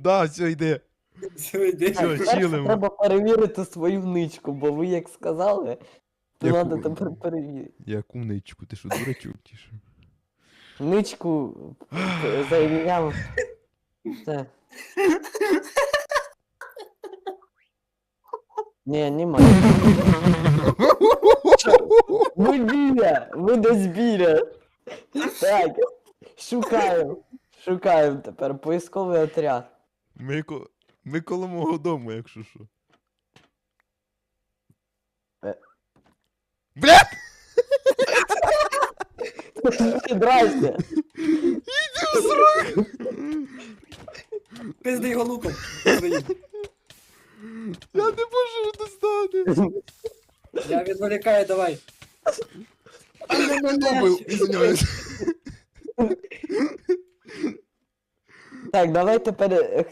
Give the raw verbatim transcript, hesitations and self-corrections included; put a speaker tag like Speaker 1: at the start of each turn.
Speaker 1: Да, все, йди.
Speaker 2: Все, йди.
Speaker 1: Все,
Speaker 3: Перше
Speaker 1: чилимо.
Speaker 3: треба перевірити свою ничку, бо ви як сказали, то
Speaker 1: Яку?
Speaker 3: треба тепер перевірити.
Speaker 1: Яку ничку? Ти що, дурачок чи що?
Speaker 3: Ничку е, зайняв. Все. Ні, немає. Ви біля! Ви десь біля! Так, шукаємо. Шукаємо тепер поисковий отряд.
Speaker 1: Ми, ко... Ми коло мого дому, якщо що.
Speaker 3: Е.
Speaker 1: Бля!
Speaker 3: Здрасте!
Speaker 2: Пизди його луком. своїм.
Speaker 1: Я не можу достати.
Speaker 2: Я відволікаю, давай.
Speaker 1: Побив, извиняюсь.
Speaker 3: Так, давай тепер е,